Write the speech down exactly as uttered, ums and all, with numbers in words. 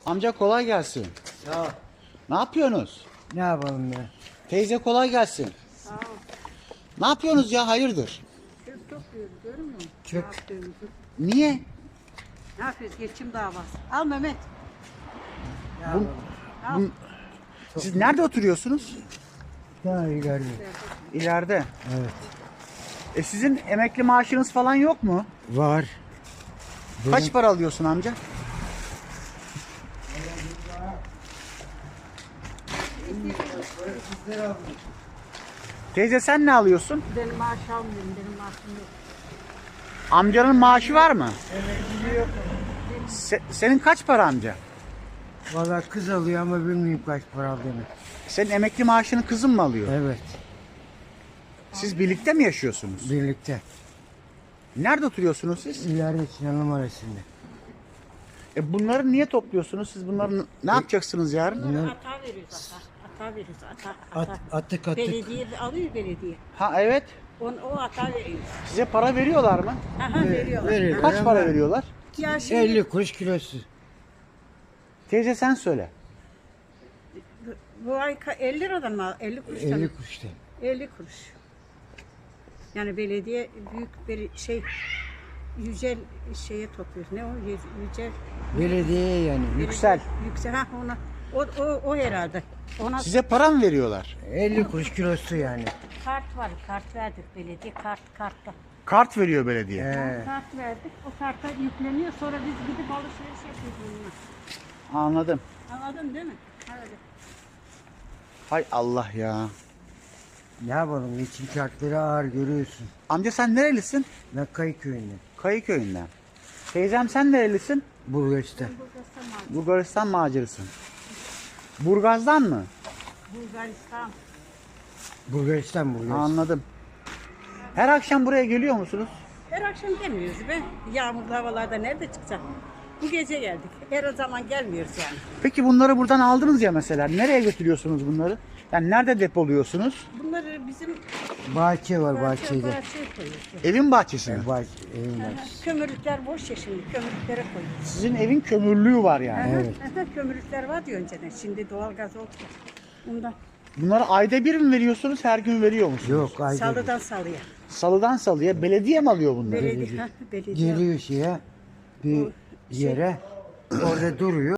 Amca kolay gelsin. Sağ ol. Ne yapıyorsunuz? Ne yapalım ya? Teyze kolay gelsin. Sağ ol. Ne yapıyorsunuz ya, hayırdır? Çöp topluyoruz, görüyor musun? Çöp. Ne yaptığımızı. Niye? Ne yapıyoruz? Geçim davası. Al Mehmet. Ne Bu- yapalım? Al. Bu- Siz nerede oturuyorsunuz? Daha ileride. İleride. Evet. E sizin emekli maaşınız falan yok mu? Var. Kaç para alıyorsun amca? Teyze sen ne alıyorsun? Benim maaş almıyorum. Benim maaşım yok. Amcanın maaşı var mı? Se- senin kaç para amca? Valla kız alıyor ama bilmiyorum kaç para aldığını. Senin emekli maaşını kızın mı alıyor? Evet. Siz birlikte mi yaşıyorsunuz? Birlikte. Nerede oturuyorsunuz siz? İleride Sinan numarasında. E bunları niye topluyorsunuz? Siz bunları ne yapacaksınız yarın? Bunları ata veriyoruz ata. Ata veriyoruz ata. At, ata. attık attık. Belediye alıyor belediye. Ha evet. On, o ata veriyoruz. Size para veriyorlar mı? Aha veriyorlar. veriyor. Kaç ama para veriyorlar? Ya şimdi elli kuruş kilosu. Teyze sen söyle. bu ay ka- elli liradan mı? al- elli kuruştan. elli mı? kuruşta. elli kuruş. Yani belediye büyük bir şey yücel şeye topluyor. Ne o? Yüz- Yücel Belediye yani. Yüksel. Yüksel. Ha ona. O, o, o herhalde. Ona Size para mı veriyorlar? elli kuruş kilosu yani. kart var. Kart verdik belediye. Kart kartta. Kart veriyor belediye. He. Kart verdik. O karta yükleniyor. Sonra biz gidip alışveriş yapıyoruz bununla. Anladım. Anladın değil mi? Öyle. Hay Allah ya. Ne yapalım? İçin şartları ağır görüyorsun. Amca sen nerelisin? Ben Kayıköy'ünden. Kayıköy'ünden. Teyzem sen nerelisin? Bulgaristan. Bulgaristan, Bulgaristan macerısın. Burgaz'dan mı? Bulgaristan. Bulgaristan Bulgaristan. Anladım. Her akşam buraya geliyor musunuz? Her akşam gelmiyoruz be. Yağmurlu havalarda nerede çıkacak? Bu gece geldik. Her o zaman gelmiyoruz yani. Peki bunları buradan aldınız ya mesela. Nereye götürüyorsunuz bunları? Yani nerede depoluyorsunuz? Bunları bizim Bahçe var bahçe, bahçede. bahçeye koyuyoruz. Evin bahçesine. E, bahçe, evin bahçesi. Kömürlükler boş ya şimdi. Kömürlüklere koyuyoruz. Sizin evin kömürlüğü var yani. Evet. Aha, kömürlükler vardı önceden. Şimdi doğalgaz oldu. Ondan Bunları ayda bir mi veriyorsunuz, her gün veriyor musunuz? Yok ayda bir. salıdan salıya. Salıdan salıya belediye mi alıyor bunları? Belediye, ha, belediye. Geliyor şeye bir yere orada duruyor.